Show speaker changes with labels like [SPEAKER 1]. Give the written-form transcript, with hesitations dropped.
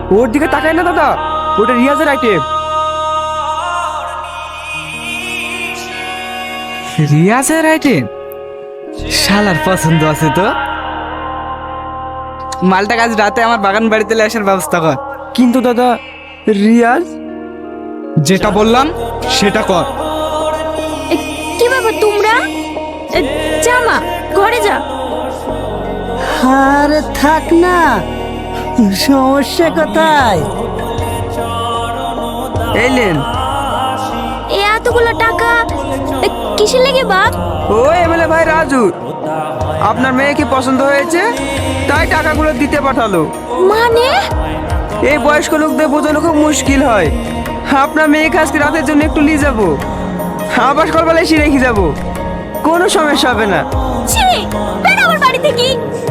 [SPEAKER 1] ওর দিকে তাকায় না দাদা, ওটা রিয়াজের আইটেম।
[SPEAKER 2] রিয়াজের আইটেম? শালার পছন্দ আছে তো। মালটা আজ রাতে আমার বাগান বাড়িতে আসার ব্যবস্থা কর।
[SPEAKER 1] কিন্তু দাদা, রিয়াজ।
[SPEAKER 2] যেটা বললাম সেটা কর।
[SPEAKER 3] এ, কি ব্যাপার তোমরা? জামা ঘরে যা।
[SPEAKER 4] আরে থাক না, সমস্যা কোথায়?
[SPEAKER 1] এলেন।
[SPEAKER 3] এ এতগুলো টাকা কিসের লেগে বাপ?
[SPEAKER 1] ও এমএলএ ভাই রাজু, আপনার মেয়েকে পছন্দ হয়েছে তাই টাকাগুলো দিতে পাঠালো।
[SPEAKER 3] মানে
[SPEAKER 1] এই বয়স্ক লোকদের বোঝানো খুব মুশকিল হয়। আপনার মেয়েকে আজকে রাতের জন্য একটু নিয়ে যাবো, আবার সকালবেলা এসে রেখে যাবো, কোনো সমস্যা হবে না।
[SPEAKER 3] ছি, বের আমার বাড়ি থেকে।